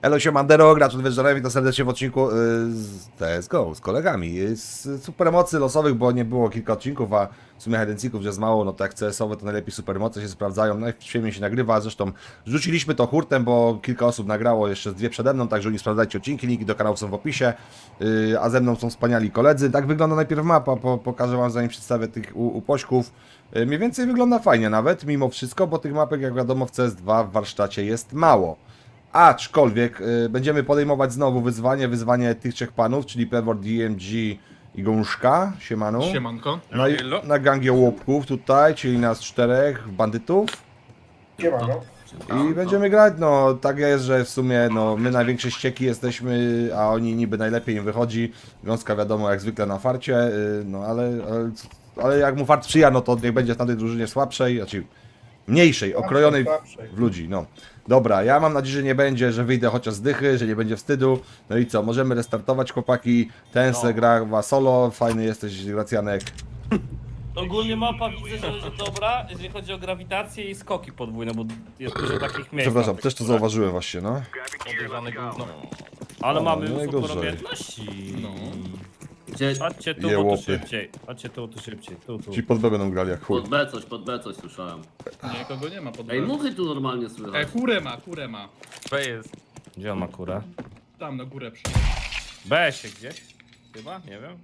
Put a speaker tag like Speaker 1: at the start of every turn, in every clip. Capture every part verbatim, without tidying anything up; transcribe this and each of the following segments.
Speaker 1: Elo Siemandero, gracz od Wieczorem, witam serdecznie w odcinku y, z T S G O, z kolegami. Z supermocy losowych, bo nie było kilka odcinków, a w sumie hedencyków jest mało, no to jak C S-owe to najlepiej supermoce się sprawdzają, najświetniej się nagrywa, zresztą rzuciliśmy to hurtem, bo kilka osób nagrało, jeszcze z dwie przede mną, także nie sprawdzajcie odcinki, linki do kanału są w opisie, y, a ze mną są wspaniali koledzy. Tak wygląda najpierw mapa, po, pokażę wam zanim przedstawię tych u, upośków. Y, mniej więcej wygląda fajnie nawet, mimo wszystko, bo tych mapek jak wiadomo w C S dwa w warsztacie jest mało. Aczkolwiek y, będziemy podejmować znowu wyzwanie, wyzwanie tych trzech panów, czyli Pewor, D M G i Gąszka, siemanu.
Speaker 2: Siemanko.
Speaker 1: Na, na gangie łopków tutaj, czyli nas czterech bandytów.
Speaker 3: Siemano.
Speaker 1: I będziemy grać, no tak jest, że w sumie no my największe ścieki jesteśmy, a oni niby najlepiej im wychodzi. Gąska wiadomo jak zwykle na farcie, y, no ale, ale, ale jak mu fart sprzyja, no to niech będzie w tamtej drużynie słabszej, znaczy mniejszej, okrojonej w ludzi, no. Dobra, ja mam nadzieję, że nie będzie, że wyjdę chociaż z dychy, że nie będzie wstydu. No i co, możemy restartować chłopaki. Ten se gra solo, fajny jesteś Gracjanek.
Speaker 4: Ogólnie mapa widzę, że jest dobra, jeżeli chodzi o grawitację i skoki podwójne, bo jest dużo takich miejsc.
Speaker 1: Przepraszam, też to zauważyłem właśnie, no.
Speaker 4: Podejrzane gówno. Ale
Speaker 1: O,
Speaker 4: mamy
Speaker 1: no
Speaker 4: już
Speaker 1: najgorzej.
Speaker 4: sporo umiejętności.
Speaker 2: No.
Speaker 5: Gdzie?
Speaker 4: Chodźcie tu, bo
Speaker 1: Jełopy.
Speaker 4: tu szybciej. Chodźcie tu, tu szybciej. Tu, tu.
Speaker 1: Ci pod B będą grali jak chuj.
Speaker 5: Pod B coś, pod B coś słyszałem.
Speaker 2: Nikogo nie ma pod
Speaker 5: Ej,
Speaker 2: B.
Speaker 5: muchy tu normalnie
Speaker 2: Ej,
Speaker 5: słychać.
Speaker 2: kurę ma, kurę ma.
Speaker 4: B jest. Gdzie on ma kurę?
Speaker 2: Tam na górę przy.
Speaker 4: B się gdzieś? Chyba? Nie wiem.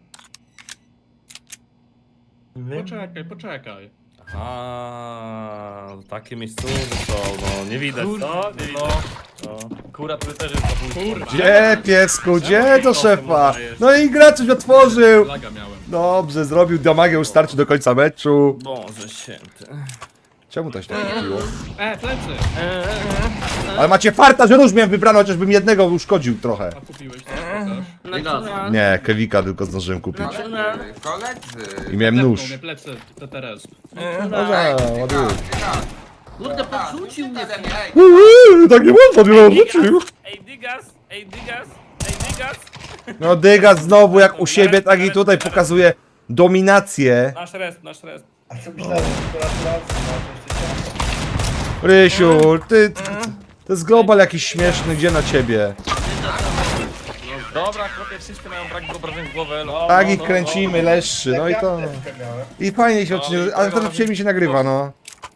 Speaker 2: Poczekaj, poczekaj.
Speaker 4: A, takie miejscowe są, no nie widać, co? Nie widać. No. Kura tu też jest
Speaker 2: Kurwa.
Speaker 1: Gdzie piesku, gdzie to szefa? No i gracz coś otworzył.
Speaker 2: Laga miałem.
Speaker 1: Dobrze, zrobił damagę, już starczy do końca meczu.
Speaker 4: Boże święty.
Speaker 1: Czemu to się tak kupiło?
Speaker 2: E, plecy!
Speaker 1: Ale macie farta, że róż miałem wybrano, chociażbym jednego uszkodził trochę.
Speaker 2: A kupiłeś też, pokaż.
Speaker 5: Nie gaz.
Speaker 1: Nie, Kewika tylko zdążyłem kupić.
Speaker 6: Koledzy!
Speaker 1: I miałem
Speaker 2: Zepnął
Speaker 1: nóż.
Speaker 2: mnie plecy, T T R S.
Speaker 1: Dobra, ładuję.
Speaker 5: Kurde, podrzucił mnie.
Speaker 1: Uuu, tak nie można, nie odrzucił.
Speaker 4: Ej, Digas! Ej, Digas! Ej, Digas!
Speaker 1: No Dyga znowu jak u siebie, tak i tutaj pokazuje dominację.
Speaker 4: Nasz rest, nasz rest.
Speaker 3: A co myślałem, że gratulacje, no to jeszcze cię...
Speaker 1: Rysiu, ty, ty, to jest global jakiś śmieszny, gdzie na ciebie?
Speaker 4: Dobra, chłopie, wszyscy mają brak wyobrażeń w głowę. No,
Speaker 1: Tak
Speaker 4: no,
Speaker 1: ich
Speaker 4: no,
Speaker 1: kręcimy, leszczy, no i to...
Speaker 3: Apteczkę miałem.
Speaker 1: I fajnie się odcinek, ale teraz przyjemnie się nagrywa, no.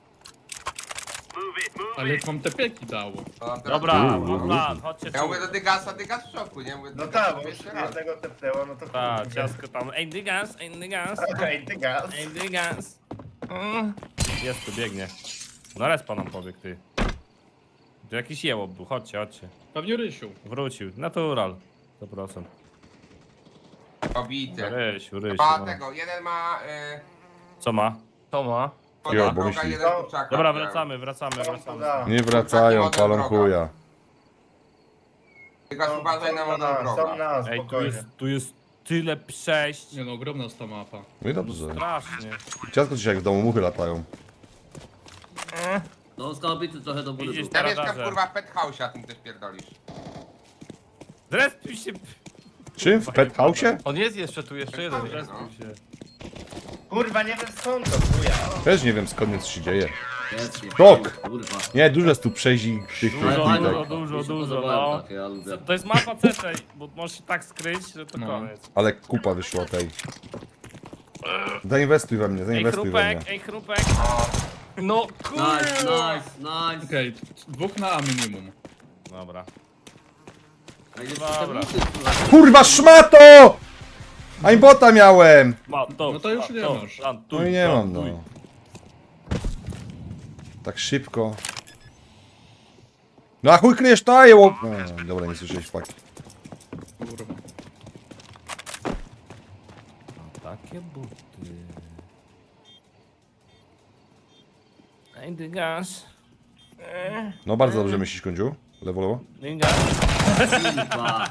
Speaker 2: Ale jak mam te pieki dało.
Speaker 4: no. Dobra, mam plan, chodźcie
Speaker 6: Ja
Speaker 4: tu.
Speaker 6: mówię do Dygasa, Dygas w szoku, nie? Mówię,
Speaker 3: No
Speaker 6: Dygas
Speaker 3: tak, bo już
Speaker 6: pierwszy raz.
Speaker 3: jednego tepnęło, no to
Speaker 4: Tak,
Speaker 3: kurde.
Speaker 4: ciasko tam. Ej, Digas, ej, Digas,
Speaker 3: Okej, ty gaz.
Speaker 4: ej, Digas. Mm. Jest tu, biegnie. No respa nam pobiegł, ty. Tu jakiś jełop był, chodźcie, chodźcie.
Speaker 2: Pewnie Rysiu.
Speaker 4: Wrócił, natural. sto procent.
Speaker 6: Obity.
Speaker 4: Rysiu, Rysiu.
Speaker 6: Ma
Speaker 4: No.
Speaker 6: tego, jeden ma... Y,
Speaker 4: Co ma? Co ma?
Speaker 1: Jo, bo
Speaker 6: podnoga,
Speaker 1: myśli.
Speaker 6: jeden kurczaka.
Speaker 4: Dobra, wracamy, wracamy,
Speaker 3: To
Speaker 4: wracamy.
Speaker 3: da.
Speaker 1: Nie wracają, palą chuja.
Speaker 6: Dygas uważaj na
Speaker 3: Są
Speaker 6: modą
Speaker 3: na, są
Speaker 6: drogę.
Speaker 3: na,
Speaker 4: Ej, tu
Speaker 3: spokojnie.
Speaker 4: jest, tu jest tyle przejść.
Speaker 2: Nie no, ogromna jest ta mapa.
Speaker 1: No i dobrze.
Speaker 4: Strasznie.
Speaker 1: Ciasko dzisiaj jak w domu muchy latają.
Speaker 5: No, skałabity trochę do góry.
Speaker 4: Widzisz,
Speaker 5: był.
Speaker 6: Ja mieszkam
Speaker 4: Radarze.
Speaker 6: kurwa w penthouse, a tym też pierdolisz.
Speaker 4: Zrespił się.
Speaker 1: Czym? W pet house?
Speaker 7: On jest jeszcze tu, jeszcze jeden.
Speaker 6: Penthouse,
Speaker 4: Zrespił
Speaker 6: no.
Speaker 4: się.
Speaker 3: Kurwa, nie wiem skąd to chuja.
Speaker 1: Też nie wiem skąd nic się dzieje.
Speaker 5: Jest, nie,
Speaker 1: Szok.
Speaker 5: Kurwa.
Speaker 1: Nie, dużo jest tu przejść i tych tych
Speaker 4: Dużo,
Speaker 1: bitek.
Speaker 4: dużo, dużo,
Speaker 5: Mi się
Speaker 4: dużo,
Speaker 5: podobają
Speaker 4: no.
Speaker 5: takie, ja lubię.
Speaker 4: To jest mapa C T, bo możesz się tak skryć, że to
Speaker 2: No.
Speaker 4: koniec.
Speaker 1: Ale kupa wyszła tej. Zainwestuj we mnie,
Speaker 4: Ej,
Speaker 1: zainwestuj we mnie.
Speaker 4: chrupek, ej, chrupek.
Speaker 7: No
Speaker 5: Nice,
Speaker 7: kurwa!
Speaker 5: nice, nice.
Speaker 2: Okej, dwóch na A minimum.
Speaker 4: Dobra.
Speaker 5: Ej, jeszcze
Speaker 4: Dobra.
Speaker 5: te muchy słychać.
Speaker 1: Kurwa szmato! Aimbota miałem!
Speaker 4: Ma, to,
Speaker 2: No to już
Speaker 4: ma,
Speaker 2: nie
Speaker 4: to,
Speaker 2: masz.
Speaker 4: Plantuj,
Speaker 1: No i nie mam,
Speaker 4: plantuj.
Speaker 1: no. Tak szybko. No a chuj kryjesz taje, łop... No, dobra, nie słyszałeś fakt.
Speaker 2: Kurwa.
Speaker 4: Takie buty. Ej, dygasz.
Speaker 1: No bardzo dobrze myślisz, Kądziu. Lewo, lewo.
Speaker 4: Dygasz.
Speaker 5: Kurwa.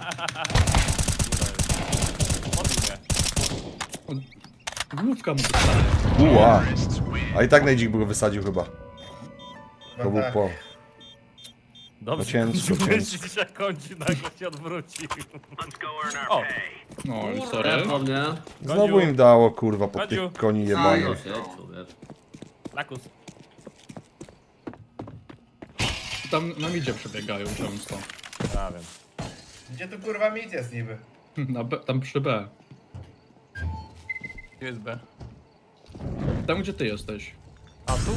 Speaker 4: Odbił mnie.
Speaker 2: Główka mu zostaje.
Speaker 1: Uła. A i tak najdzik by go wysadził chyba. To
Speaker 3: No
Speaker 1: był
Speaker 3: tak.
Speaker 1: po...
Speaker 4: Dobrze,
Speaker 1: No ciężko,
Speaker 4: myślisz, że kończy, nagle się odwrócił. O,
Speaker 2: No,
Speaker 5: Nie
Speaker 2: sorry.
Speaker 5: po mnie.
Speaker 1: Znowu im dało, kurwa, po
Speaker 4: Kodziu.
Speaker 1: tych koni
Speaker 5: No
Speaker 1: jebanych.
Speaker 5: się, człowiek.
Speaker 4: lakus.
Speaker 2: Tam na midzie przebiegają często.
Speaker 4: Ja wiem.
Speaker 3: Gdzie tu kurwa mit jest niby?
Speaker 2: Na B, tam przy B.
Speaker 7: Gdzie jest B?
Speaker 2: Tam gdzie ty jesteś.
Speaker 7: A tu?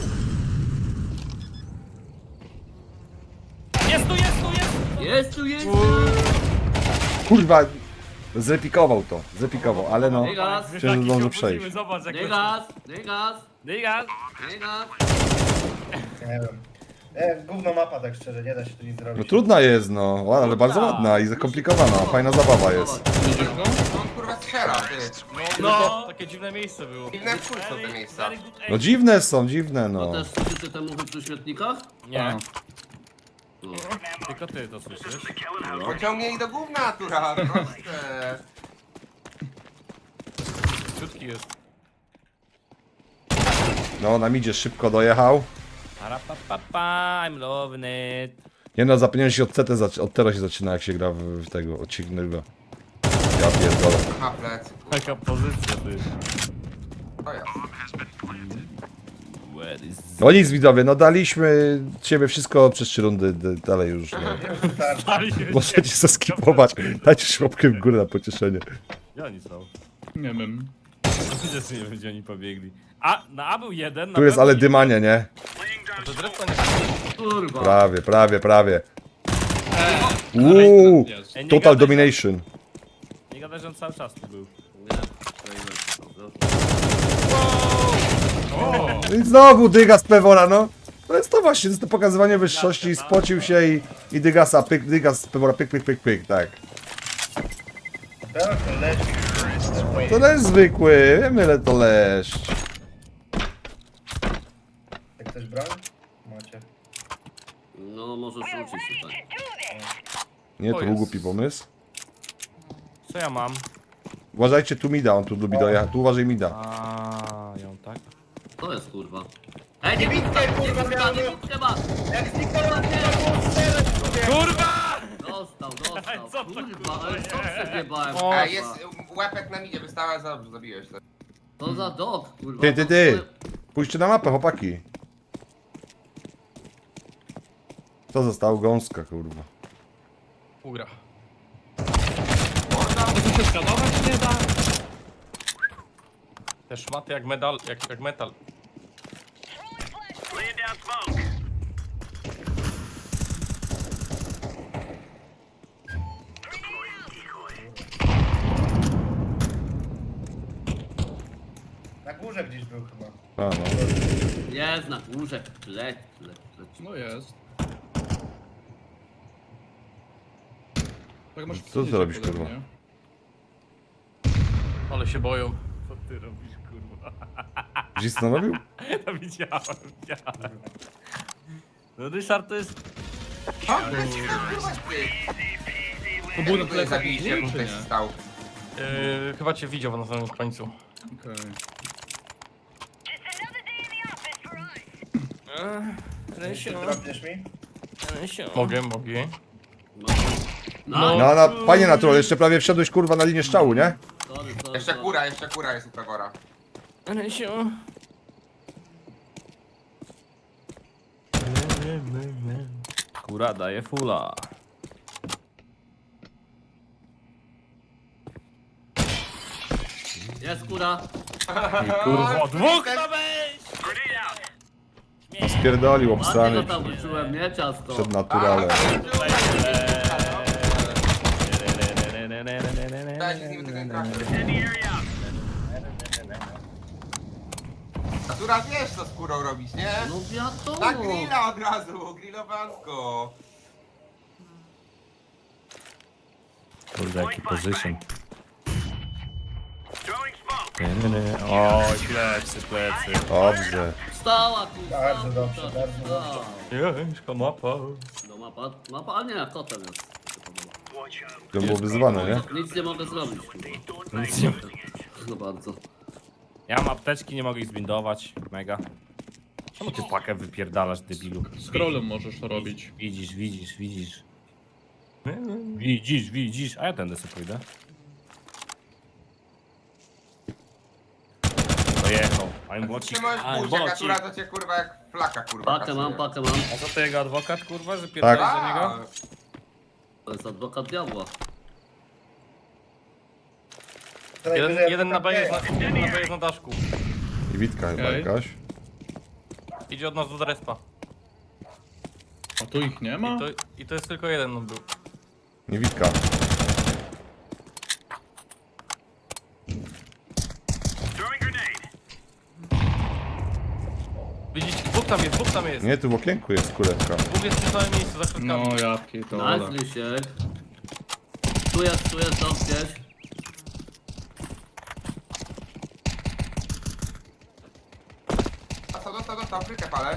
Speaker 4: Jest tu, jest tu, jest tu!
Speaker 5: Jest tu, jest tu!
Speaker 1: Kurwa, zrepikował to, zrepikował, ale no.
Speaker 5: Dygas,
Speaker 1: Myślę, że zdążę przejść.
Speaker 4: Zobacz jak
Speaker 5: dygas, dygas,
Speaker 4: Dygas!
Speaker 5: dygas.
Speaker 3: Nie wiem. Nie, gówno mapa tak szczerze, nie da się tu nic zrobić.
Speaker 1: No trudna jest, no, ła- ale bardzo ładna i zakomplikowana, fajna zabawa jest.
Speaker 2: Widzisz go?
Speaker 6: On kurwa strzela, ty.
Speaker 7: No, takie dziwne miejsce było.
Speaker 6: Inne wpół są te miejsca.
Speaker 1: No dziwne są, dziwne,
Speaker 5: To
Speaker 1: no.
Speaker 5: też słyszycie te muchy przy śmietnikach?
Speaker 4: Nie,
Speaker 5: No.
Speaker 4: tylko ty to słyszysz.
Speaker 6: Pociągnie ich do gówna, natura, proste.
Speaker 7: Krótki jest.
Speaker 1: No, nam idzie, szybko dojechał.
Speaker 4: Arapapapa, I'm loving it.
Speaker 1: Nie no, zapomniałem się od C T, zac- od teraz się zaczyna jak się gra w, w tego, od Signyga. Ja pierdolę.
Speaker 6: Ma plecy.
Speaker 4: Taka pozycja, ty.
Speaker 6: To jest.
Speaker 4: Where is...
Speaker 1: No nic widzowie, no daliśmy ciebie wszystko przez trzy rundy, d- dalej już nie. Możecie zaskipować, dajcie szłopkę w górę na pocieszenie.
Speaker 4: Gdzie oni są?
Speaker 2: Nie wiem.
Speaker 4: Gdzie nie wiem, gdzie oni pobiegli. A, na A był jeden, na
Speaker 1: Tu
Speaker 4: B
Speaker 1: jest
Speaker 4: był
Speaker 1: ale
Speaker 4: jeden.
Speaker 1: dymanie, nie?
Speaker 7: To drewno nie...
Speaker 5: Kurwa.
Speaker 1: Prawie, prawie, prawie.
Speaker 2: Ale
Speaker 1: Uuu,
Speaker 2: jest.
Speaker 4: Ej, nie
Speaker 1: total
Speaker 4: gadaj,
Speaker 1: domination.
Speaker 4: Nie gadaj, że on cały czas tu był.
Speaker 5: Nie, przejdę.
Speaker 1: No i znowu Dygas Pewora, no. To jest to właśnie, to jest to pokazywanie wyższości, spocił się i, i Dygasa, pyk, Dygas Pewora, pyk, pyk, pyk, pyk, tak.
Speaker 3: Tak, to leci.
Speaker 1: To leszcz zwykły, wiemy ile to leszcz.
Speaker 3: Jak ktoś broń? Macie.
Speaker 5: No, możesz rzucić tutaj.
Speaker 1: Nie, to
Speaker 7: O,
Speaker 1: był
Speaker 7: jest.
Speaker 1: głupi pomysł.
Speaker 4: Co ja mam?
Speaker 1: Uważajcie, tu Mida, on tu lubi dojechać, tu uważaj Mida.
Speaker 4: A, ją tak?
Speaker 5: To jest kurwa. Ej, nie widzę, kurwa, nie widzę, chyba!
Speaker 3: Jak zniknęła
Speaker 4: Kurwa!
Speaker 5: Dostał, dostał.
Speaker 4: Co to,
Speaker 5: Kurwa,
Speaker 4: kurwa,
Speaker 5: ale co
Speaker 4: jest?
Speaker 5: przegiebałem?
Speaker 6: A
Speaker 5: kurwa.
Speaker 6: jest łepek na midzie, wystała, za dobrze zabiłeś to.
Speaker 5: To za dog, kurwa.
Speaker 1: Ty, ty,
Speaker 5: to
Speaker 1: ty.
Speaker 5: swoje-
Speaker 1: Pójdźcie na mapę, chłopaki. To zostało gąska, kurwa.
Speaker 7: Ugra.
Speaker 2: To się skanować nie da.
Speaker 7: Te szmaty jak medal, jak, jak metal.
Speaker 3: Na górze gdzieś był chyba.
Speaker 1: A, no.
Speaker 5: Jest na górze. Leć, leć, leć.
Speaker 2: No jest. Tak masz
Speaker 1: Co ty robisz, kurwa?
Speaker 2: nie?
Speaker 7: Ale się boją.
Speaker 4: Co ty robisz, kurwa?
Speaker 1: Gdzieś stanowił?
Speaker 4: To widziałem, widziałem. No Ryszard to jest...
Speaker 6: O, leci tam, kurwa, ty.
Speaker 2: To było na
Speaker 6: Tutaj
Speaker 2: plecach
Speaker 6: zabiliście, jak
Speaker 2: dwóch,
Speaker 6: on
Speaker 2: czy
Speaker 6: tutaj
Speaker 2: nie?
Speaker 6: stał.
Speaker 7: Yy, chyba cię widział na samym końcu.
Speaker 2: Okej.
Speaker 3: Czy drobniesz mi?
Speaker 7: Mogę, mogę.
Speaker 5: No,
Speaker 1: No, no, fajnie natural, jeszcze prawie wszedłeś, kurwa, na linię strzału, nie?
Speaker 5: sorry, sorry,
Speaker 6: Jeszcze
Speaker 5: sorry.
Speaker 6: kura, jeszcze kura jest u Pewora.
Speaker 4: Kura daje fula.
Speaker 5: Jest kura.
Speaker 4: Kurwa, dwóch
Speaker 6: Ten-
Speaker 4: ma być!
Speaker 1: Spierdolił,
Speaker 5: Ładnie
Speaker 1: obstrany
Speaker 5: go tam wyczułem, nie ciasto.
Speaker 1: przed naturalem.
Speaker 6: Dajcie z nim tego nie trafię. Natura wiesz co z kurą robić, nie?
Speaker 5: No wiadomo.
Speaker 6: Na grilla od razu, grillowanko.
Speaker 4: Kurde, jaki position. Oj, plecy, plecy.
Speaker 1: Dobrze.
Speaker 5: Stała tu.
Speaker 3: Bardzo
Speaker 5: stała,
Speaker 3: dobrze,
Speaker 5: stała,
Speaker 3: bardzo
Speaker 5: stała.
Speaker 7: Jeźka mapa.
Speaker 5: No mapa, mapa, a nie, kotem jest. się podoba.
Speaker 1: To było wyzwane, nie?
Speaker 5: Nic nie mogę zrobić, kurwa.
Speaker 4: Nic nie-
Speaker 5: No bardzo.
Speaker 4: Ja mam apteczki, nie mogę ich zbindować. Mega. Czemu ty pakę wypierdalasz, debilu?
Speaker 2: Scrollem możesz to robić.
Speaker 4: Widzisz, widzisz, widzisz. Widzisz, widzisz. A ja tędy sobie pójdę. Dojechał. I'm
Speaker 6: Ty
Speaker 4: watching.
Speaker 6: możesz
Speaker 4: I'm
Speaker 6: pójść, jak
Speaker 4: watching.
Speaker 6: natura to cię kurwa jak flaka kurwa
Speaker 5: Pakę mam,
Speaker 6: kasuje.
Speaker 5: pakę mam.
Speaker 4: A co to jego adwokat, kurwa, że pierdolisz
Speaker 1: Tak.
Speaker 4: do niego?
Speaker 6: A,
Speaker 5: To jest adwokat diabła.
Speaker 3: To
Speaker 7: Jeden,
Speaker 3: najwyżej
Speaker 7: jeden, na B jest
Speaker 3: adwokat
Speaker 7: na, jeden na B jest na daszku.
Speaker 1: I Witka chyba
Speaker 2: Okej.
Speaker 1: jakaś.
Speaker 7: Idzie od nas do respa.
Speaker 2: A tu ich nie ma?
Speaker 7: I to, I to jest tylko jeden on był.
Speaker 1: Nie Witka.
Speaker 7: Widzicie, dwóch tam jest, dwóch tam jest.
Speaker 1: Nie, tu w okienku jest kuleczka.
Speaker 7: Dwóch jest w tym samym miejscu, za środkami.
Speaker 2: No ja pierdolę.
Speaker 5: Nice, Lisiek. Tu jest, tu jest, tam gdzieś.
Speaker 6: Dostał, dostał, dostał, frykę palę.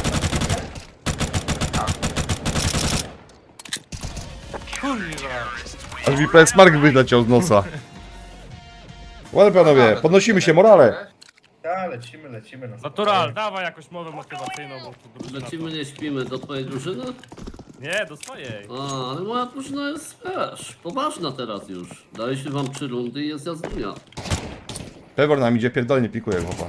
Speaker 7: Kurwa.
Speaker 1: Aż mi P S Mark wyleciał z nosa. Ładnie panowie, podnosimy się, morale.
Speaker 3: Tak, lecimy, lecimy. No.
Speaker 4: Natural, dawaj jakąś mowę motywacyjną, bo tu drużyna
Speaker 5: Lecimy, nie śpimy. Do twojej drużyny?
Speaker 4: to- Nie, do swojej.
Speaker 5: A, ale moja drużyna jest, wiesz, poważna teraz już. Daliśmy wam trzy rundy i jest jazdunia.
Speaker 1: Pewor nam idzie, pierdolnie pikuje chłopa.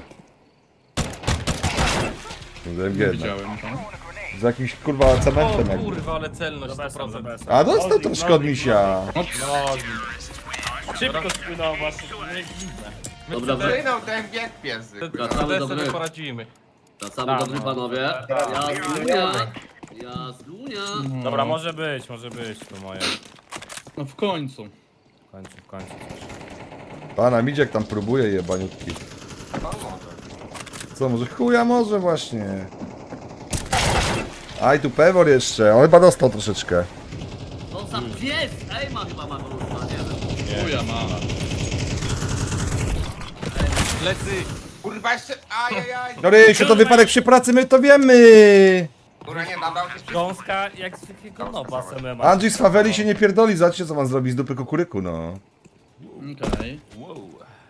Speaker 1: Z
Speaker 2: Nie
Speaker 1: M G, no.
Speaker 2: widziałem to.
Speaker 1: Z jakimś kurwa
Speaker 7: O
Speaker 1: cementem jakby.
Speaker 7: kurwa, ale celność
Speaker 4: Za
Speaker 7: sto
Speaker 4: besem, za
Speaker 7: procent.
Speaker 4: besem.
Speaker 1: A dostał
Speaker 4: Nozik,
Speaker 1: troszkę od
Speaker 4: nozik,
Speaker 1: misia.
Speaker 4: nozik. Szybko spłynął właśnie, nie dziwne.
Speaker 5: Dobra, wy...
Speaker 6: Wynął ten bieg piesy.
Speaker 5: Wracamy do
Speaker 7: T D sobie
Speaker 5: gry.
Speaker 7: poradzimy.
Speaker 5: Wracamy
Speaker 4: Tak,
Speaker 5: do gry,
Speaker 4: no.
Speaker 5: panowie. Jazdunia. Jazdunia.
Speaker 4: Dobra, może być, może być to moje.
Speaker 2: No w końcu.
Speaker 4: W końcu, w końcu.
Speaker 1: Pana Midziek tam próbuje jebaniutki.
Speaker 6: No może.
Speaker 1: Co, może chuja może właśnie. Aj, tu Pewor jeszcze, on chyba dostał troszeczkę.
Speaker 5: To za pies! Ej, ma chyba ma wróżba, nie wiem.
Speaker 2: Chuja ma.
Speaker 7: Lecy.
Speaker 6: Kurwa jeszcze, ajajaj.
Speaker 1: No Rysiu, to wypadek przy pracy, my to wiemy.
Speaker 6: Kurwa nie dam, dał się przy...
Speaker 4: Gąska jak zwykłego nowa z M M A.
Speaker 1: Andrzej z Faweli się nie pierdoli, zobaczcie co wam zrobi z dupy kukuryku, no.
Speaker 2: Okej.
Speaker 4: Wow.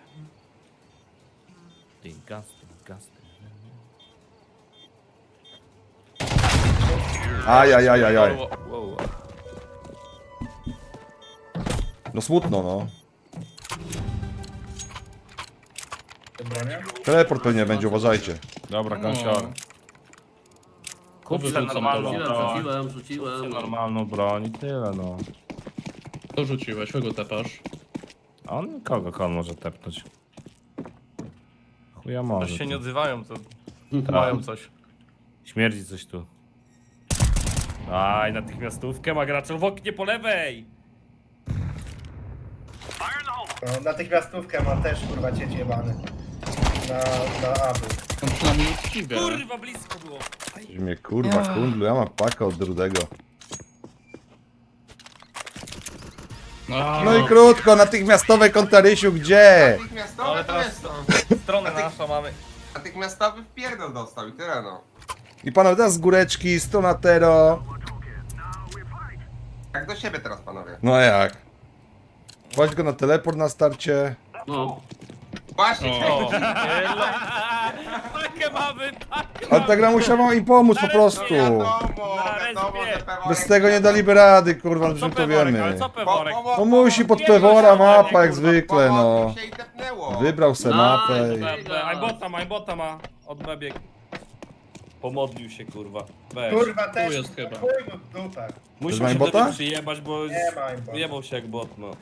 Speaker 4: Tinkas, tinkas.
Speaker 1: Aj, aj, aj, aj, aj.
Speaker 4: Wow.
Speaker 1: No smutno, no.
Speaker 3: Dobra, nie?
Speaker 1: Teleport pewnie będzie, uważajcie.
Speaker 4: Dobra,
Speaker 2: No.
Speaker 4: gąsior. Kup sobie
Speaker 2: Wyrzucam
Speaker 4: normalną
Speaker 2: to.
Speaker 5: Rzuciłem,
Speaker 4: broń.
Speaker 5: rzuciłem, rzuciłem.
Speaker 4: Normalną broń i tyle, no.
Speaker 2: To rzuciłeś, kogo tepasz?
Speaker 4: A on kogo kogo on może tepnąć? Chuja może.
Speaker 7: Też się
Speaker 4: tu.
Speaker 7: nie odzywają, to
Speaker 4: Tak.
Speaker 7: mają coś.
Speaker 4: Śmierdzi coś tu. Aj, natychmiastówkę ma gracz w oknie po lewej!
Speaker 3: No, natychmiastówkę ma też kurwa cieć jebany. Na, na aby.
Speaker 2: No przynajmniej uczciwie.
Speaker 4: Kurwa, blisko było!
Speaker 1: Że mnie kurwa kundlu, ja mam pakę od Rudego.
Speaker 2: No,
Speaker 1: No i krótko, natychmiastowe konta Rysiu, gdzie?
Speaker 6: Natychmiastowy
Speaker 7: Ale
Speaker 6: to
Speaker 7: teraz-
Speaker 6: jest to.
Speaker 7: Stronę naszą mamy.
Speaker 6: Natychmiastowy wpierdol dostał i tyle no.
Speaker 1: I panowie, teraz z góreczki, strona Tero.
Speaker 6: Jak do siebie teraz panowie.
Speaker 1: No jak? Płać go na teleport na starcie.
Speaker 5: No,
Speaker 6: Właśnie,
Speaker 2: O.
Speaker 4: Takie mamy, tak!
Speaker 1: Ale ta gra musiała im pomóc po prostu.
Speaker 6: wiadomo,
Speaker 4: Na
Speaker 6: wiadomo,
Speaker 4: respie.
Speaker 6: że Peworek...
Speaker 1: Bez tego nie daliby rady, kurwa,
Speaker 4: Co
Speaker 1: że to
Speaker 4: peworek,
Speaker 1: wiemy.
Speaker 4: ale co peworek?
Speaker 1: No musi pod Pewora mapa jak zwykle, no.
Speaker 6: Pomodlił się i tepnęło.
Speaker 1: Wybrał se mapę i...
Speaker 5: Nice.
Speaker 4: Ajbota ma, ajbota ma. Od bebieg. Pomodlił się, kurwa. Weź.
Speaker 3: Kurwa też.
Speaker 2: jest chyba.
Speaker 3: Chuj mu w dupę.
Speaker 4: Musiał
Speaker 1: ma
Speaker 4: się
Speaker 1: aimbota?
Speaker 4: tobie przyjebać, bo
Speaker 3: Nie ma aimbota.
Speaker 4: wyjebał się jak bot, no.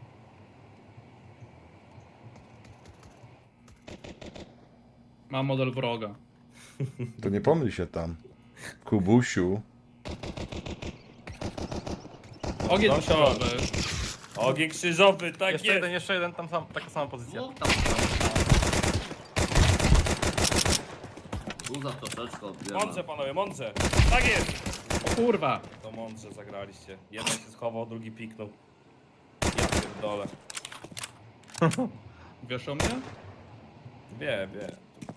Speaker 2: Mam model wroga.
Speaker 1: To nie pomyl się tam. Kubusiu.
Speaker 2: Ogień
Speaker 4: No,
Speaker 2: krzyżowy.
Speaker 4: Ogień krzyżowy, tak
Speaker 7: Jeszcze
Speaker 4: jest.
Speaker 7: jeden, jeszcze jeden, tam sam, taka sama pozycja.
Speaker 5: dwóch tam. Tu za troszeczkę odbieram.
Speaker 4: Mądrze, panowie, mądrze. Tak jest.
Speaker 2: O kurwa.
Speaker 4: To mądrze zagraliście. Jeden się schował, drugi piknął. Ja pierdolę.
Speaker 2: Wiesz o mnie?
Speaker 4: Wie, wie.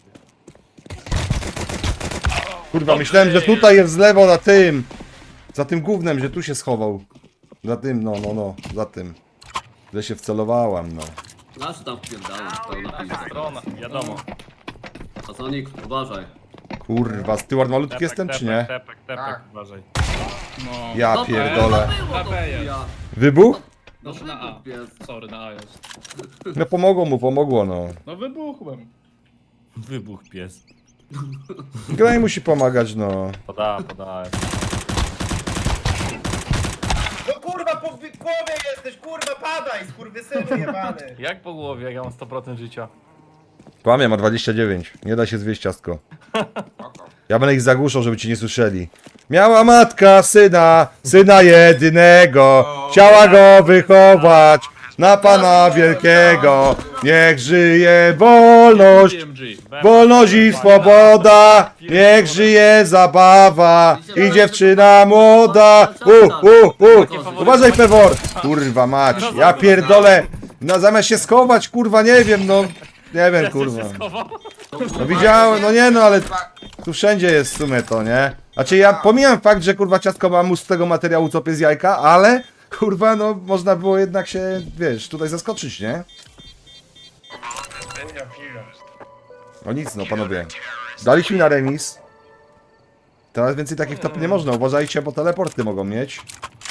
Speaker 1: Kurwa, myślałem, że tutaj jest z lewo na tym. Za tym gównem, że tu się schował. Za tym, no, no, no, za tym. Że się wcelowałam, no.
Speaker 5: Nasz tam wpierdałem, pełna pizda.
Speaker 7: Strona.
Speaker 4: Wiadomo.
Speaker 5: A Sonic, uważaj.
Speaker 1: Kurwa, steward malutki jestem, czy nie?
Speaker 4: Tepek, tepek,
Speaker 6: Tak.
Speaker 4: uważaj.
Speaker 2: No.
Speaker 1: Ja
Speaker 5: No to-
Speaker 1: pierdolę.
Speaker 5: No było to
Speaker 2: A B jest.
Speaker 5: chuja.
Speaker 1: Wybuch?
Speaker 5: No
Speaker 2: Znaczy na A.
Speaker 5: wybuch jest.
Speaker 2: Sorry, na A jest.
Speaker 1: No pomogło mu, pomogło, no.
Speaker 2: No wybuchłem.
Speaker 4: Wybuch pies.
Speaker 1: Graj musi pomagać, no.
Speaker 4: Poda, poda.
Speaker 3: No kurwa w głowie jesteś, kurwa, padaj, skurwysynu jebany.
Speaker 7: Jak po głowie, jak ja mam sto procent życia?
Speaker 1: Kłamie, ma dwadzieścia dziewięć. Nie da się zwieść, ciastko.
Speaker 6: Spoko.
Speaker 1: Ja będę ich zagłuszał, żeby ci nie słyszeli. Miała matka syna, syna jedynego. Chciała go wychować na Pana Wielkiego. Niech żyje wolność,
Speaker 2: D M G.
Speaker 1: wolność i swoboda. Niech żyje zabawa i dziewczyna młoda. U, u, u. Uważaj, Pewor. Kurwa mać, ja pierdolę. No zamiast się schować, kurwa, nie wiem, no. Nie wiem, kurwa. No widziałem, no nie no, ale
Speaker 6: Chyba-
Speaker 1: tu wszędzie jest w sumie to, nie? Znaczy ja pomijam fakt, że kurwa ciastko ma mus z tego materiału co z jajka, ale kurwa no można było jednak się, wiesz, tutaj zaskoczyć, nie?
Speaker 3: Chuja, chuja.
Speaker 1: No nic no panowie. Daliśmy na remis. Teraz więcej takich top nie można, uważajcie, bo teleporty mogą mieć.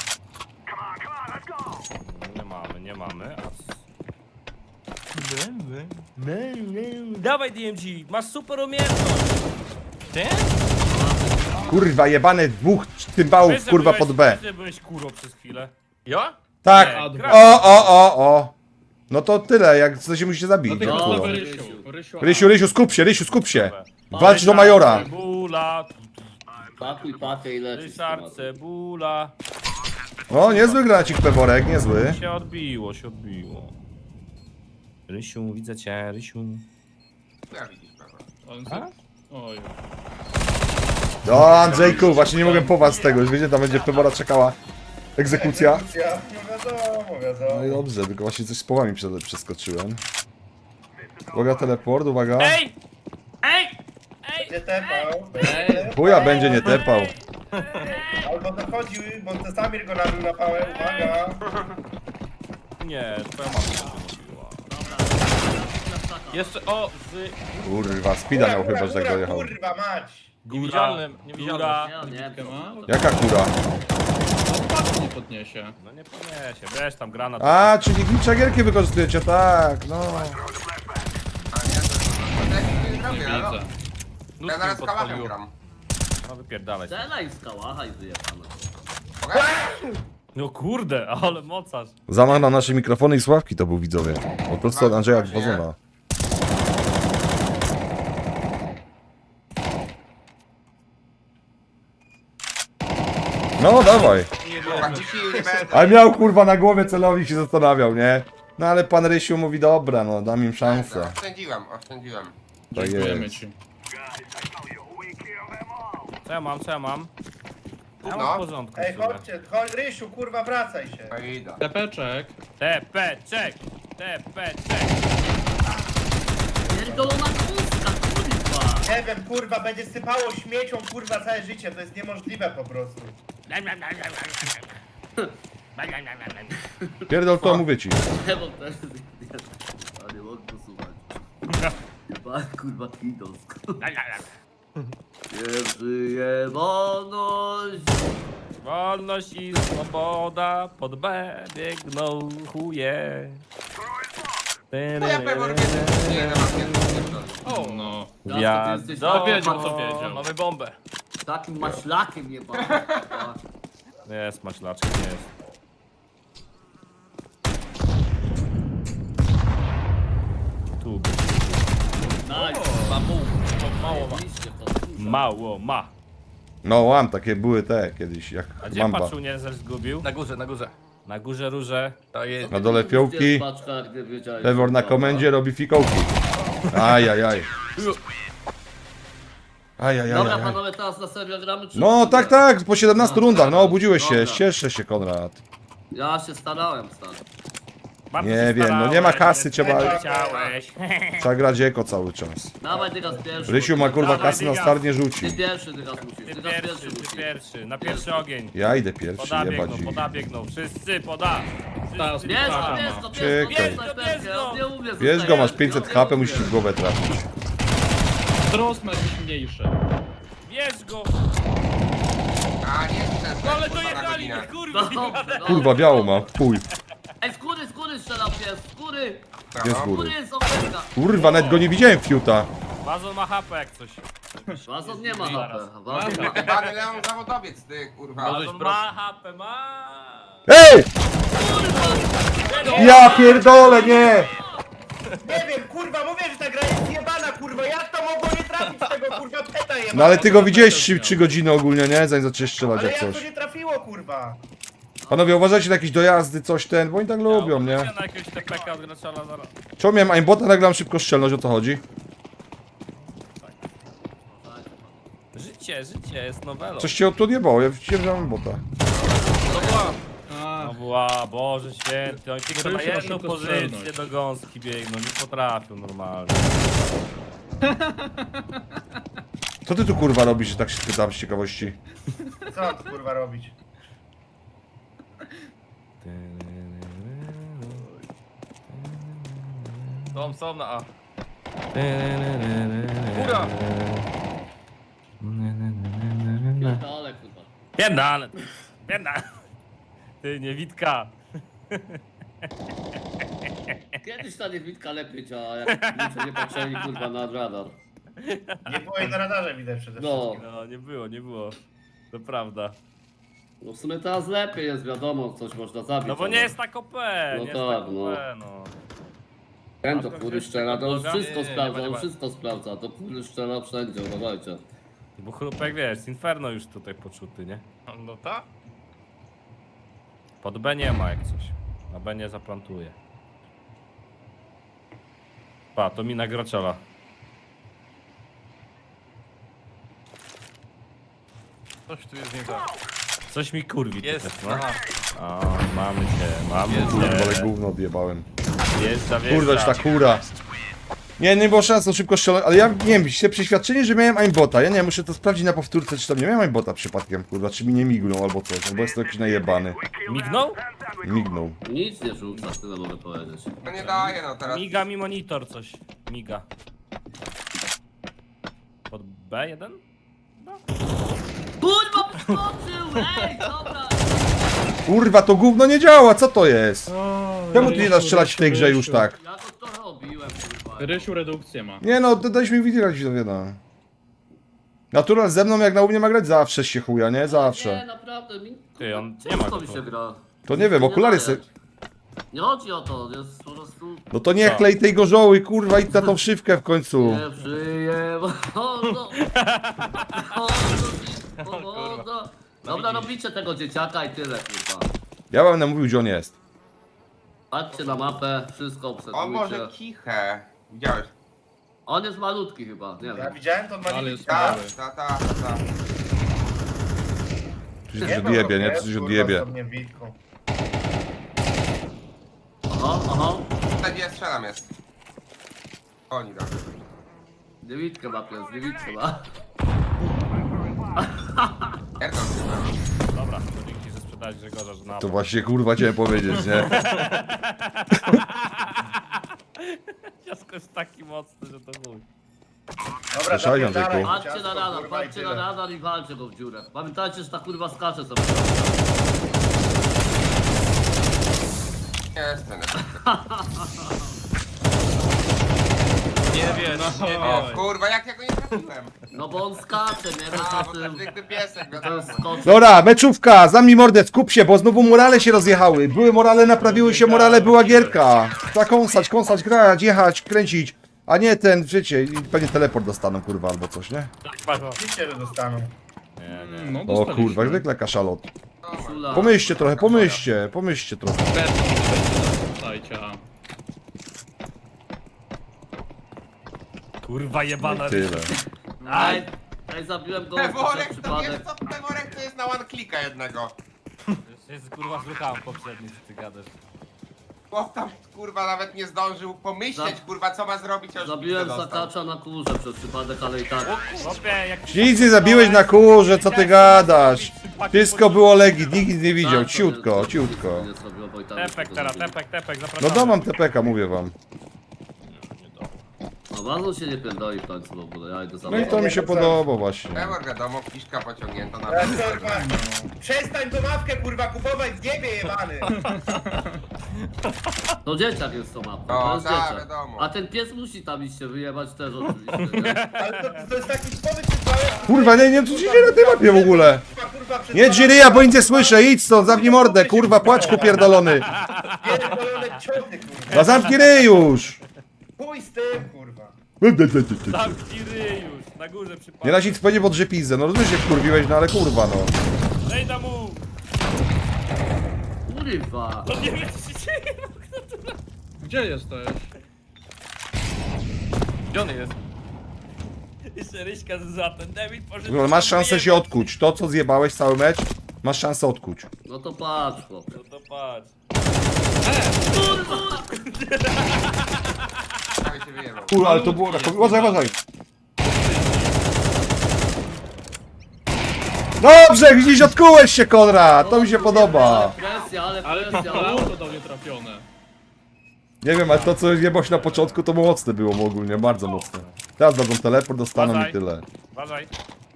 Speaker 4: Nie mamy, nie mamy. A... Dawaj D M G, masz super umiejętność.
Speaker 7: Ty?
Speaker 1: Kurwa jebane dwóch cymbałów
Speaker 4: Wiesz, że
Speaker 1: kurwa
Speaker 4: byłeś-
Speaker 1: pod B.
Speaker 4: wiesz, że byłeś kurą przez chwilę.
Speaker 7: Ja?
Speaker 1: Tak!
Speaker 4: Nie,
Speaker 2: A,
Speaker 4: gra-
Speaker 1: O, o, o, o! No to tyle, jak co się musicie zabić.
Speaker 2: No ty
Speaker 1: no,
Speaker 2: masz
Speaker 1: kurwa.
Speaker 2: nowy Rysiu. Rysiu,
Speaker 1: Rysiu, Rysiu, skup się, Rysiu, skup się! Walcz do Majora!
Speaker 4: Cebula,
Speaker 5: Pakuj pakę i lecisz.
Speaker 4: Ryszard, cebula.
Speaker 1: O, niezły gracik Peworek, niezły.
Speaker 4: Się odbiło, się odbiło. Rysiu, widzę cię, Rysiu.
Speaker 6: Ja widzisz, prawda.
Speaker 2: On se... Oj.
Speaker 1: O, Andrzejku, właśnie nie mogłem po was z tego, już wiecie, tam będzie Pewora czekała egzekucja.
Speaker 3: Egzekucja. No wiadomo, wiadomo.
Speaker 1: No i dobrze, tylko właśnie coś z połami przed- przeskoczyłem. Uwaga, teleport, uwaga.
Speaker 4: Ej! Ej!
Speaker 3: Będzie tepał.
Speaker 2: Ej.
Speaker 1: Chuja będzie nie tepał.
Speaker 3: Albo dochodził, bo to Samir go nabił na pałę, uwaga.
Speaker 4: Nie, twoja mama się mówiła.
Speaker 7: Jeszcze, o, z
Speaker 1: Kurwa, speeda miał chyba, że tak dojechał.
Speaker 3: Kurwa mać.
Speaker 7: niewidzialnym, niewidzialnym.
Speaker 5: Ja nie
Speaker 2: Bitkę ma?
Speaker 1: Jaka kura?
Speaker 2: Patrz, nie podniesie.
Speaker 4: No nie podniesie, wiesz tam granat.
Speaker 1: A, czyli glitcha gierki wykorzystujecie, tak, no.
Speaker 6: A nie, to to ja nic nie zrobię, no.
Speaker 2: Widzę.
Speaker 6: Ja
Speaker 7: Nóżki
Speaker 6: zaraz
Speaker 7: mi
Speaker 6: kałachem
Speaker 7: podpaliło.
Speaker 6: gram.
Speaker 4: No wypierdalaj się.
Speaker 5: Strzelaj z kałacha i wyjebane.
Speaker 6: Mogę?
Speaker 4: No kurde, ale mocarz.
Speaker 1: Zamach na nasze mikrofony i sławki to był widzowie. Po prostu od Andrzeja Gwozona. No dawaj.
Speaker 6: Kurwa, ci sił nie będę.
Speaker 1: Ale miał kurwa na głowie celownik się zastanawiał, nie? No ale pan Rysiu mówi dobra, no dam im szansę.
Speaker 6: Oszczędziłem, oszczędziłem.
Speaker 1: Tak
Speaker 2: Dziękujemy
Speaker 1: jest.
Speaker 2: ci.
Speaker 4: Co ja mam, co ja mam? Ja mam
Speaker 6: No.
Speaker 4: w porządku.
Speaker 3: Ej,
Speaker 4: w sumie.
Speaker 3: chodźcie, chodź, Rysiu, kurwa, wracaj się.
Speaker 6: No i idę.
Speaker 2: Tepeczek.
Speaker 4: T P, czek! T P, czek!
Speaker 5: Pierdolona kózka, kurwa.
Speaker 3: Nie wiem, kurwa, będzie sypało śmiecią, kurwa, całe życie, to jest niemożliwe po prostu.
Speaker 1: Pierdol to mówię ci.
Speaker 5: Nie mam też a nie mogę posłuchać. Chyba kurwa kidowsk. Nie żyje wolność.
Speaker 4: Wolność i swoboda, pod B biegną chuje.
Speaker 6: No ja pewnie nie na
Speaker 2: O, no.
Speaker 4: Gwiazdo.
Speaker 5: Ty jesteś
Speaker 2: No, wiedział, co
Speaker 7: O,
Speaker 2: wiedział.
Speaker 7: mamy bombę.
Speaker 5: takim maślakiem jebany.
Speaker 4: Jest, maślaczek, jest. Tu.
Speaker 5: Nice.
Speaker 7: Mamu, mało ma.
Speaker 5: Oczywiście, to kurwa.
Speaker 4: Mało ma.
Speaker 1: No łam, takie były te kiedyś, jak
Speaker 4: A gdzie
Speaker 1: mamba.
Speaker 4: paczunie też zgubił?
Speaker 7: Na górze, na górze.
Speaker 4: Na górze róże.
Speaker 7: To jest.
Speaker 1: Na dole fiołki.
Speaker 5: Paczka, gdy wiedziałeś,
Speaker 1: Pewor na
Speaker 5: że-
Speaker 1: komendzie robi fikołki. Ajajaj. Ajajaj.
Speaker 5: Dobra panowie, teraz na serio gramy czy...
Speaker 1: No tak, tak, po siedemnastu
Speaker 5: No,
Speaker 1: rundach, no obudziłeś się,
Speaker 5: dobra.
Speaker 1: cieszę się Konrad.
Speaker 5: Ja się starałem stary.
Speaker 4: Bardzo
Speaker 1: Nie
Speaker 4: się
Speaker 1: wiem, no
Speaker 4: starałeś,
Speaker 1: nie ma kasy,
Speaker 4: nie
Speaker 1: trzeba-
Speaker 4: chciałeś.
Speaker 1: Trzeba grać eko cały czas.
Speaker 5: Dawaj teraz pierwszy.
Speaker 1: Rysiu ma kurwa
Speaker 4: Dawaj,
Speaker 1: kasy na
Speaker 4: dyga.
Speaker 1: start nie
Speaker 5: Ty
Speaker 1: rzuci.
Speaker 5: pierwszy teraz musisz,
Speaker 4: Ty
Speaker 5: ty teraz
Speaker 4: pierwszy,
Speaker 5: pierwszy
Speaker 4: ty
Speaker 5: musisz.
Speaker 4: pierwszy. Na pierwszy ogień.
Speaker 1: Ja idę pierwszy,
Speaker 4: Poda
Speaker 1: jebać
Speaker 4: biegną,
Speaker 1: ich.
Speaker 4: poda biegną. Wszyscy poda.
Speaker 2: Teraz
Speaker 4: Wszyscy
Speaker 5: Bierz go,
Speaker 2: Aha.
Speaker 5: bierz go,
Speaker 1: Czekaj.
Speaker 5: bierz go, bierz go, ja nie umiem
Speaker 1: Wiesz go,
Speaker 5: zostawiać,
Speaker 1: masz pięćset
Speaker 5: ja nie
Speaker 1: H P,
Speaker 5: umiem.
Speaker 1: musisz w głowę trafić.
Speaker 2: Trost ma jakiś mniejszy.
Speaker 4: Bierz go!
Speaker 6: A nie, ten
Speaker 4: No ale
Speaker 6: kurwa, na
Speaker 4: dojechali
Speaker 6: godzinę.
Speaker 4: mnie, kurwa!
Speaker 5: Dobrze, dobrze.
Speaker 1: Kurwa, biało ma, chuj.
Speaker 5: Ej, skóry, skóry strzelam pies, skóry!
Speaker 1: Jest
Speaker 6: No.
Speaker 1: góry.
Speaker 5: Skóry jest oferta!
Speaker 1: Kurwa, nawet go nie widziałem fiuta.
Speaker 4: Bazon ma H P jak coś.
Speaker 5: Wazon nie ma H P, Wazon ma...
Speaker 6: Jebany Leon zawodowiec, ty kurwa.
Speaker 4: Bazon ma H P, ma!
Speaker 1: Ej! Ja pierdolę, nie!
Speaker 3: Nie wiem, kurwa, mówię, że ta gra jest jebana, kurwa, jak to mogło nie trafić z tego, kurwa, peta jebana?
Speaker 1: No ale ty go widziałeś trzy godziny ogólnie, nie? Zanim zaczęłeś strzelać
Speaker 3: Ale
Speaker 1: jak
Speaker 3: jak to
Speaker 1: coś.
Speaker 3: nie trafiło, kurwa?
Speaker 1: Panowie, uważajcie na jakieś dojazdy, coś ten, bo oni tak lubią, nie?
Speaker 4: Ja na jakiegoś T P K od Graczala zaraz.
Speaker 1: Czemu miałem aimbota, nagle mam szybko strzelność, o co chodzi?
Speaker 4: Życie, życie, jest nowelą.
Speaker 1: Coś cię tu odjebało, ja widziałem, że mam aimbota.
Speaker 2: A,
Speaker 4: No była, Boże święty, oni tylko na
Speaker 2: Rysiu,
Speaker 4: jedną
Speaker 2: szybko
Speaker 4: pozycję
Speaker 2: strzelność.
Speaker 4: do gąski biegną, nie potrafią normalnie.
Speaker 1: Co ty tu kurwa robisz, że tak się pytam z ciekawości?
Speaker 3: Co mam tu, kurwa, robić?
Speaker 7: Są, są na A. Góra!
Speaker 5: Pierdolę, kurwa.
Speaker 4: Pierdale, pierdale. Ty, niewidka.
Speaker 5: Kiedyś ta niewidka lepiej działa, jak ludzie nie patrzyli, kurwa, na radar.
Speaker 3: Nie było jej na radarze widać przede wszystkim.
Speaker 5: No,
Speaker 4: No, nie było, nie było. To prawda.
Speaker 5: no w sumie teraz lepiej jest, wiadomo, coś można zabić.
Speaker 4: No bo
Speaker 5: ale-
Speaker 4: nie jest tak O P,
Speaker 5: No
Speaker 4: nie jest
Speaker 5: tak,
Speaker 4: tak
Speaker 5: no.
Speaker 4: O P, no.
Speaker 5: Ten to kury strzela, to on
Speaker 4: Nie,
Speaker 5: wszystko
Speaker 7: nie, nie,
Speaker 5: sprawdza,
Speaker 7: nie
Speaker 5: on
Speaker 7: ma.
Speaker 5: wszystko sprawdza, to kury strzela wszędzie, uważajcie.
Speaker 4: Bo chrupek, wiesz, z Inferno już tutaj poczuty, nie?
Speaker 7: No ta?
Speaker 4: Pod B nie ma jak coś. Na B nie zaplantuje. Pa, to mina Graczala.
Speaker 7: Coś tu jest nie tak.
Speaker 4: Coś mi kurwi
Speaker 7: Jest,
Speaker 4: teraz, no.
Speaker 7: aha.
Speaker 4: O, mamy cię, mamy
Speaker 1: Kurwa, ale
Speaker 4: cię.
Speaker 1: gówno odjebałem.
Speaker 4: Wjeżdża, wjeżdża.
Speaker 1: Kurwa, już ta kura. Nie, nie było szans, to szybko strzelać, ale ja nie wiem, się przeświadczenie, że miałem aimbota. Ja nie wiem, muszę to sprawdzić na powtórce, czy tam nie miałem aimbota przypadkiem, kurwa, czy mi nie mignął albo coś, albo jest to jakiś najebany.
Speaker 4: Mignął?
Speaker 1: Mignął.
Speaker 5: Nic nie rzuca, tyle mogę powiedzieć.
Speaker 6: No nie daje, no teraz.
Speaker 4: Miga mi monitor coś. Miga. Pod B jeden?
Speaker 5: Kurwa, wyskoczył! Ej, dobra!
Speaker 1: Kurwa, to gówno nie działa, co to jest? Czemu tu nie da
Speaker 2: Rysiu,
Speaker 1: strzelać w tej
Speaker 2: Rysiu,
Speaker 1: grze już
Speaker 2: Rysiu.
Speaker 1: tak?
Speaker 5: Ja to to robiłem, kurwa.
Speaker 2: Rysiu redukcję ma.
Speaker 1: Nie no, to daliśmy mi widzieć, to wiadomo. Natural ze mną jak na u mnie ma grać zawsze się chuja, nie?
Speaker 5: Nie,
Speaker 1: Zawsze.
Speaker 5: naprawdę, mi,
Speaker 4: Ty, on
Speaker 5: kurwa,
Speaker 4: nie ma
Speaker 5: ciężko
Speaker 4: go
Speaker 5: mi
Speaker 4: tu.
Speaker 5: się gra.
Speaker 1: To nie wiem, okulary se...
Speaker 5: daje. Nie chodzi o to, jest po prostu...
Speaker 1: No to nie klej tej gorzoły, kurwa, idź na tą szywkę w końcu.
Speaker 5: Nie przyjem... Wolno! Wolno! Wolno! Dobra, robicie tego dzieciaka i tyle, kurwa.
Speaker 1: Ja wam namówił, gdzie on jest.
Speaker 5: Patrzcie na mapę, wszystko
Speaker 6: O może
Speaker 5: obserwujcie.
Speaker 6: kichę. Widziałeś?
Speaker 5: On jest malutki chyba, nie
Speaker 3: Ja
Speaker 5: wiem.
Speaker 3: widziałem to dwa
Speaker 2: Ale jest
Speaker 6: Ta,
Speaker 2: mały.
Speaker 6: ta, ta, ta.
Speaker 1: Tu się coś odjebie, nie? Tu się odjebie.
Speaker 3: Niewidką.
Speaker 5: Aha, aha.
Speaker 6: Ta gdzie ja strzelam jest. Oni tam.
Speaker 5: Niewidkę ma pies, niewidkę ma.
Speaker 6: Jak tam się
Speaker 4: Dobra, to dzięki, że sprzedałeś Grzegorza, że na
Speaker 1: To właśnie kurwa chciałem powiedzieć, nie?
Speaker 4: Ciasko jest taki mocny, że to mój.
Speaker 3: Dobra,
Speaker 1: Słyszałem
Speaker 3: zapierdalaj,
Speaker 1: tylko.
Speaker 5: Patrzcie na
Speaker 3: ciasto,
Speaker 5: radar,
Speaker 3: kurwa, i
Speaker 5: patrzcie na
Speaker 3: tyle.
Speaker 5: radar i walcie go w dziurę. Pamiętajcie, że ta kurwa skacze sobie.
Speaker 6: jestem?
Speaker 7: Nie wiesz, nie
Speaker 6: O
Speaker 7: wiesz.
Speaker 6: kurwa, jak ja go nie trafiłem?
Speaker 5: No bo on skacze, nie? Wiesz
Speaker 6: A,
Speaker 5: o
Speaker 6: bo
Speaker 5: tym.
Speaker 6: to zwykły piesek,
Speaker 5: To
Speaker 6: wiadomo.
Speaker 5: jest skocz.
Speaker 1: Dobra, meczówka, zamknij mordę, skup się, bo znowu morale się rozjechały. Były morale, naprawiły się morale, była gierka. Trzeba kąsać, kąsać, grać, jechać, kręcić. A nie ten, wiecie, i pewnie teleport dostaną, kurwa, albo coś, nie?
Speaker 3: Oczywiście, że dostaną.
Speaker 4: Nie, nie.
Speaker 2: No,
Speaker 1: O
Speaker 2: dostaliśmy.
Speaker 1: kurwa, jak zwykle kaszalot.
Speaker 5: Szula.
Speaker 1: Pomyślcie trochę, pomyślcie, pomyślcie trochę.
Speaker 2: Dajcie, a.
Speaker 4: Kurwa jebana
Speaker 1: Tyle.
Speaker 5: Aj, aj zabiłem go przez
Speaker 6: Peworek, to wiesz
Speaker 5: przypadek.
Speaker 6: co? Peworek to jest na one clicka jednego.
Speaker 4: Jest kurwa zruchałem poprzedni, co ty gadasz.
Speaker 6: Chłop tam kurwa nawet nie zdążył pomyśleć
Speaker 5: Za-
Speaker 6: kurwa co ma zrobić, a już
Speaker 5: Zabiłem
Speaker 6: pizzę dostał.
Speaker 5: zakacza na kurze przez przypadek, ale i tak.
Speaker 4: Chłopie, jak
Speaker 1: Nic nie zabiłeś na kurze, co ty gadasz? Wszystko było legit, nikt nic nie widział,
Speaker 5: Tak, to
Speaker 1: ciutko,
Speaker 5: nie-
Speaker 1: ciutko.
Speaker 5: nie zrobiło, bo i tak
Speaker 4: Tepek
Speaker 5: to
Speaker 4: teraz,
Speaker 5: zrobili.
Speaker 4: tepek, tepek,
Speaker 1: No
Speaker 4: zapraszamy.
Speaker 1: domam T P K, mówię wam.
Speaker 5: No bardzo się nie pierdoli w końcu w ogóle, ja idę za
Speaker 1: No i to mi się podoba właśnie.
Speaker 6: Pewor wiadomo, kiszka pociągnięta na
Speaker 3: Ja, kurwa, przestań tą mapkę kurwa kupować w niebie jebany!
Speaker 5: To dzieciak jest to mapa,
Speaker 6: O,
Speaker 5: to jest
Speaker 6: tak,
Speaker 5: dzieciak.
Speaker 6: wiadomo.
Speaker 5: A ten pies musi tam iść się wyjebać też oczywiście, nie?
Speaker 3: Ale to, to jest taki typowy przypadek.
Speaker 1: Kurwa, nie, nie wiem co się dzieje na tej mapie w ogóle.
Speaker 3: Kurwa, przez
Speaker 1: Nie
Speaker 3: dwa
Speaker 1: Jiry, ja bo nic nie słyszę, idź stąd, zamknij mordę, kurwa, płaczku pierdolony.
Speaker 3: pierdolone ciochy, kurwa.
Speaker 1: No zamknij ryj już.
Speaker 3: Chuj z tym, kurwa.
Speaker 4: Zamknij ryj już, na górze przypadek.
Speaker 1: Nie da się nic powiedzieć pod pizdę, no rozumiesz, jak kurwiłeś, no ale kurwa, no.
Speaker 4: Daj da mu!
Speaker 5: Kurwa.
Speaker 4: No nie wiem co się dzieje.
Speaker 2: Gdzie jesteś?
Speaker 7: Gdzie on jest?
Speaker 4: Jeszcze Ryśka za ten David poszedł.
Speaker 1: No, masz szansę się odkuć, to co zjebałeś cały mecz, masz szansę odkuć.
Speaker 5: No to patrz, chłopie.
Speaker 4: No to patrz.
Speaker 6: Prawie się wyjebał.
Speaker 1: Kurwa, ale to było tak, uważaj, uważaj. Dobrze, gdzieś odkułeś się, Konrad, to mi się podoba.
Speaker 5: Presja, ale
Speaker 2: Ale to
Speaker 5: presja.
Speaker 2: auto do mnie trafione.
Speaker 1: Nie wiem, ale to co jebałeś na początku, to mocne było ogólnie, bardzo mocne. Teraz dadzą teleport, dostaną i
Speaker 4: Uważaj.
Speaker 1: tyle.
Speaker 4: Uważaj.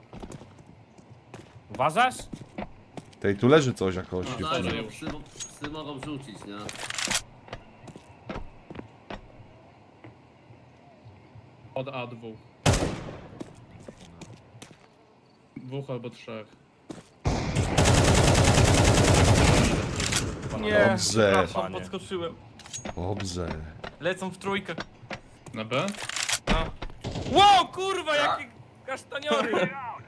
Speaker 4: Uważasz?
Speaker 1: Tej tu leży coś jakoś.
Speaker 5: No tak, no, psy, psy mogą rzucić, nie?
Speaker 2: Od A dwóch. Dwóch albo trzech.
Speaker 7: Nie,
Speaker 1: Dobrze.
Speaker 7: przepraszam, podskoczyłem.
Speaker 1: Dobrze.
Speaker 7: Lecą w trójkę.
Speaker 2: Na B?
Speaker 7: No.
Speaker 4: Wow, kurwa, jakie kasztaniory!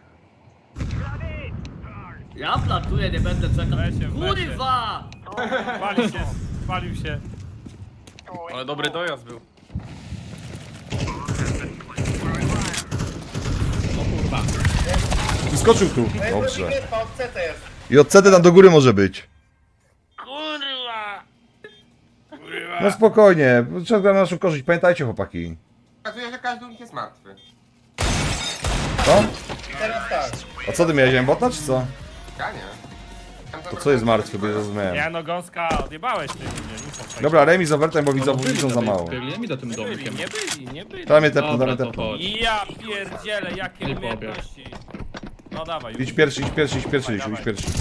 Speaker 5: Ja platuję, nie będę czekał.
Speaker 4: Weźcie, weźcie.
Speaker 5: Kurwa!
Speaker 4: Walił się, walił się.
Speaker 7: Ale dobry dojazd był.
Speaker 2: O kurwa.
Speaker 1: Wyskoczył tu.
Speaker 3: No jest
Speaker 1: Dobrze.
Speaker 3: Dobrze. Od C T jest.
Speaker 1: I od C T tam do góry może być.
Speaker 4: Kurwa! Kurwa!
Speaker 1: No spokojnie, trzeba grać na naszą korzyść, pamiętajcie chłopaki.
Speaker 6: Okazuje się, że każdy u nich jest martwy.
Speaker 1: Co?
Speaker 3: I teraz tak.
Speaker 1: A co ty miałeś, bota czy co?
Speaker 6: Ja nie. Tam
Speaker 1: To co jest martwy, bo nie zrozumiałem.
Speaker 4: Ja no gąska, odjebałeś ty mnie, nie są fajne.
Speaker 1: Dobra, remis z overtime, bo widzą,
Speaker 2: No,
Speaker 1: bo
Speaker 2: byli
Speaker 1: widzą
Speaker 2: na
Speaker 1: za
Speaker 2: tej-
Speaker 1: mało.
Speaker 2: Biegli mi do tym
Speaker 4: Nie byli,
Speaker 2: domkiem.
Speaker 4: nie byli, nie byli.
Speaker 1: Damy tepnę,
Speaker 2: Dobra,
Speaker 1: damy
Speaker 2: to
Speaker 1: tepnę.
Speaker 2: chodź.
Speaker 4: I ja pierdzielę, jakie
Speaker 2: Nie pobiegł.
Speaker 4: umiejętności. No dawaj,
Speaker 1: Idź pierwszy, idź pierwszy, idź pierwszy, idź, idź
Speaker 4: Dawaj.
Speaker 1: pierwszy.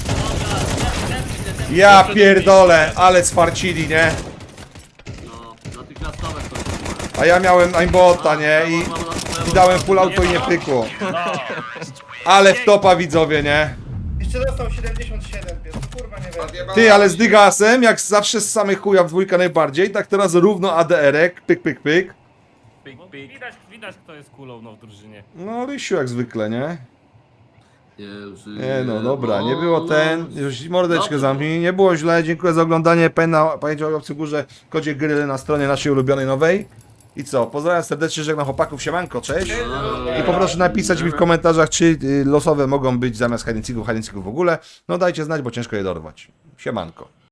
Speaker 1: Ja pierdolę, ale sfarcili, nie?
Speaker 5: No, natychmiastowe to.
Speaker 1: A ja miałem aimbota, nie? I, i dałem full auto i nie pykło.
Speaker 4: No,
Speaker 1: Ale w topa widzowie, nie?
Speaker 3: Jeszcze dostał siedemdziesiąt siedem, pies. Kurwa, nie wiem.
Speaker 6: Odjebała
Speaker 1: Ty, ale z
Speaker 6: się.
Speaker 1: dygasem, jak zawsze z samych chuja w dwójkę najbardziej, tak teraz równo A D R-ek, pyk, pyk, pyk.
Speaker 7: Pik,
Speaker 4: no
Speaker 7: pik.
Speaker 4: widać, widać kto jest kulą no, w drużynie.
Speaker 1: No, Rysiu jak zwykle, nie?
Speaker 5: Nie, żyje,
Speaker 1: Nie no, dobra, nie było
Speaker 5: wolność.
Speaker 1: ten, już mordeczkę
Speaker 5: Dobra.
Speaker 1: zamknij, nie było źle, dziękuję za oglądanie, pamiętaj pamiętajcie o opcji górze, kodzie gry na stronie naszej ulubionej nowej. I co, pozdrawiam serdecznie, żegnam chłopaków, siemanko, cześć. I poproszę napisać mi w komentarzach, czy y, losowe mogą być zamiast hide and seeków, hide and seeków w ogóle. No dajcie znać, bo ciężko je dorwać. Siemanko.